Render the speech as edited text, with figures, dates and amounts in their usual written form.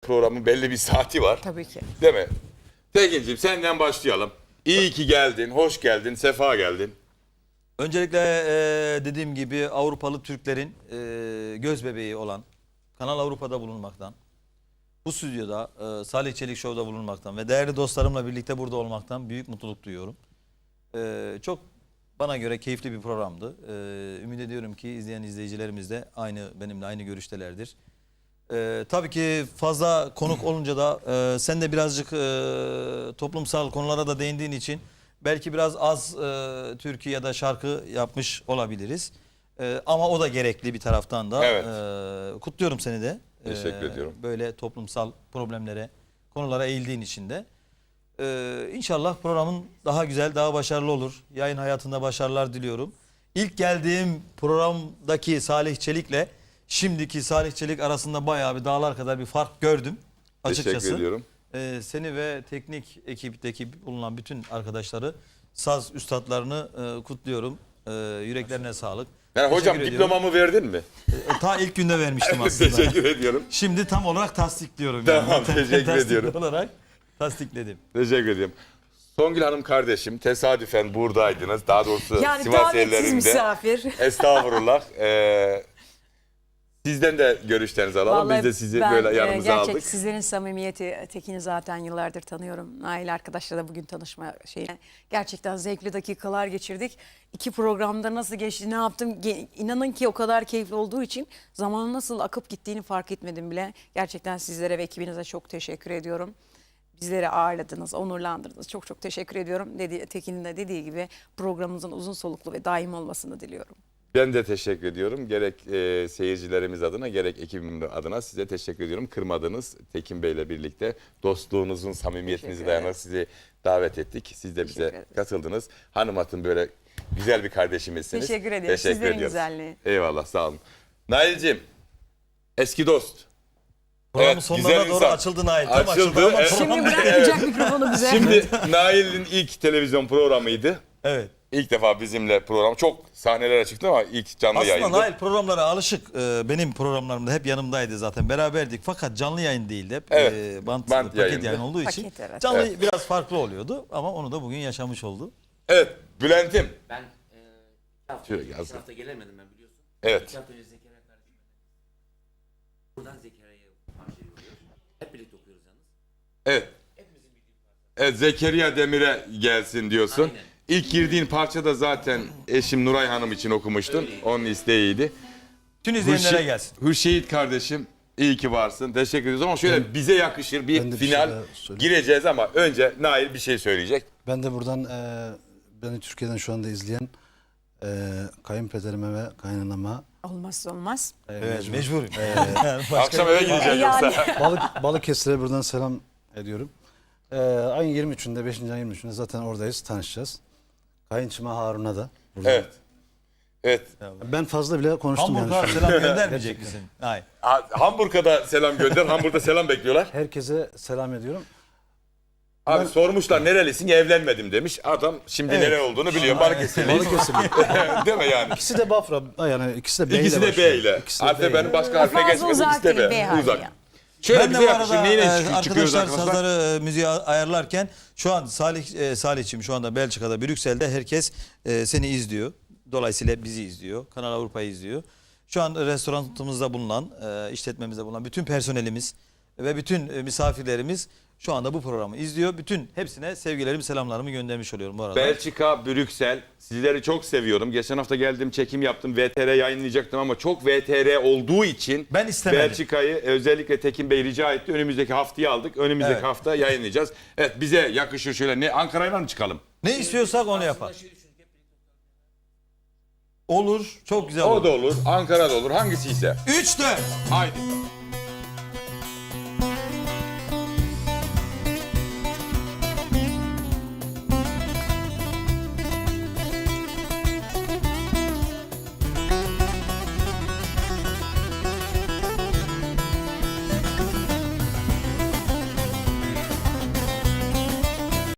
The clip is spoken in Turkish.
programın belli bir saati var. Tabii ki. Değil mi? Tekin'cim senden başlayalım. İyi ki geldin, hoş geldin, sefa geldin. Öncelikle dediğim gibi Avrupalı Türklerin göz bebeği olan Kanal Avrupa'da bulunmaktan, bu stüdyoda Salih Çelik Show'da bulunmaktan ve değerli dostlarımla birlikte burada olmaktan büyük mutluluk duyuyorum. Çok bana göre keyifli bir programdı. Ümit ediyorum ki izleyen izleyicilerimiz de benimle aynı görüştelerdir. Tabii ki fazla konuk olunca da sen de birazcık toplumsal konulara da değindiğin için belki biraz az türkü ya da şarkı yapmış olabiliriz. Ama o da gerekli bir taraftan da. Evet. Kutluyorum seni de. Teşekkür ediyorum. Böyle toplumsal problemlere, konulara eğildiğin için de. İnşallah programın daha güzel, daha başarılı olur. Yayın hayatında başarılar diliyorum. İlk geldiğim programdaki Salih Çelik'le şimdiki Salih Çelik arasında bayağı bir dağlar kadar bir fark gördüm açıkçası. Teşekkür ediyorum. Seni ve teknik ekipteki bulunan bütün arkadaşları, saz üstadlarını kutluyorum. Yüreklerine sağlık. Yani hocam Teşekkür ediyorum. diplomamı verdin mi? Ta ilk günde vermiştim aslında. Teşekkür ediyorum. Şimdi tam olarak tasdikliyorum. Tamam, teşekkür Tasdik ediyorum. olarak tasdikledim. Teşekkür ediyorum. Songül Hanım kardeşim tesadüfen buradaydınız. Daha doğrusu Yani Sivas davetsiz yerlerinde. misafir. Estağfurullah. Sizden de görüşlerinizi alalım. Biz de sizi böyle yanımıza gerçek aldık. sizlerin samimiyeti, Tekin'i zaten yıllardır tanıyorum. Nail arkadaşla da bugün tanışma şeyi. Gerçekten zevkli dakikalar geçirdik. 2 programda nasıl geçti, ne yaptım? İnanın ki o kadar keyifli olduğu için zamanın nasıl akıp gittiğini fark etmedim bile. Gerçekten sizlere ve ekibinize çok teşekkür ediyorum. Bizleri ağırladınız, onurlandırdınız. Çok çok teşekkür ediyorum. Tekin'in de dediği gibi programımızın uzun soluklu ve daim olmasını diliyorum. Ben de teşekkür ediyorum. Gerek seyircilerimiz adına gerek ekibim adına size teşekkür ediyorum. Kırmadınız Tekin Bey'le birlikte dostluğunuzun samimiyetinizi dayanarak sizi davet ettik. Siz de bize katıldınız. Hanım Hatun böyle güzel bir kardeşimizsiniz. Teşekkür ederim. Sizlerin ediyoruz. güzelliği. Eyvallah sağ olun. Nail'cim eski dost. Programın Evet, sonlarına güzel doğru insan. açıldı Nail. Tam Açıldı, açıldı ama evet. Şimdi program bırakmayacak mikrofonu bize. Şimdi Nail'in ilk televizyon programıydı. Evet. İlk defa bizimle program. Çok sahnelere çıktı ama ilk canlı Aslında yayındı. Nail programlara alışık. Benim programlarımda hep yanımdaydı zaten. Beraberdik. Fakat canlı yayın değildi. Hep Evet, bant bant paket yayındı. yayın olduğu için. Paket, evet. Canlı biraz farklı oluyordu. Ama onu da bugün yaşamış oldu. Evet Bülent'im. Ben 2 hafta, Şöyle önce, yazdım. 2 hafta gelemedim ben biliyorsun. Evet. 2 hafta önce Zekeriya kardeşim. Buradan Zekeriya'ya parçayı yolluyoruz. Hep birlikte okuyoruz yalnız. Evet. Hepimizin bildiği parça. Evet Zekeriya Demir'e gelsin diyorsun. Aynen. İlk girdiğin parça da zaten eşim Nuray Hanım için okumuştun. Öyleydi. Onun isteğiydi. Tüm izleyenlere gelsin. Hürşehit kardeşim iyi ki varsın. Teşekkür ediyoruz ama şöyle bize yakışır bir Ben de bir final şey daha söyleyeyim. gireceğiz ama önce Nail bir şey söyleyecek. Ben de buradan beni Türkiye'den şu anda izleyen kayınpederime ve kaynanama Olmazsa olmaz. Evet, mecburum. Akşam eve gideceğiz Yani. yoksa. Balıkesir'e buradan selam ediyorum. Ayın 23'ünde 5. ayın 23'ünde zaten oradayız, tanışacağız. Kayınçıma Harun'a da. buradan. Evet. Evet. Ben fazla bile konuştum Hamburg'a yani. selam göndermeyecek misin? Hayır. Hamburg'a da selam gönder. Hamburg'da selam bekliyorlar. Herkese selam ediyorum. Abi sormuşlar nerelisin? Evlenmedim demiş. Adam şimdi Evet. nere olduğunu biliyor. Balıkesirliyiz. Balıkesir. Değil mi yani? İkisi de Bafra. Yani ikisi de B ile İkisi de B başlıyor. ile. İkisi de Harfe B benim ile. başka harfine Fazla geçmedi. uzak İkisi de değil, B B. harfi Uzak. ya. Şöyle Ben de bize bu yakışır. arada Neyle çıkıyoruz arkadaşlar arkadaşlar? sazları müziği ayarlarken şu an Salih'cim şu anda Belçika'da, Brüksel'de herkes seni izliyor. Dolayısıyla bizi izliyor. Kanal Avrupa'yı izliyor. Şu an restoranımızda bulunan, işletmemizde bulunan bütün personelimiz ve bütün misafirlerimiz şu anda bu programı izliyor. Bütün hepsine sevgilerimi, selamlarımı göndermiş oluyorum bu arada. Belçika, Brüksel. Sizleri çok seviyorum. Geçen hafta geldim, çekim yaptım. VTR yayınlayacaktım ama çok VTR olduğu için Ben istemedim. Belçika'yı özellikle Tekin Bey rica etti. Önümüzdeki haftaya aldık. Önümüzdeki Evet. hafta yayınlayacağız. Evet bize yakışır şöyle. Ne Ankara'yla mı çıkalım? Ne istiyorsak onu yapar. Olur. Çok güzel olur. O da olur. Ankara'da olur. Hangisi ise. 3-4. Haydi.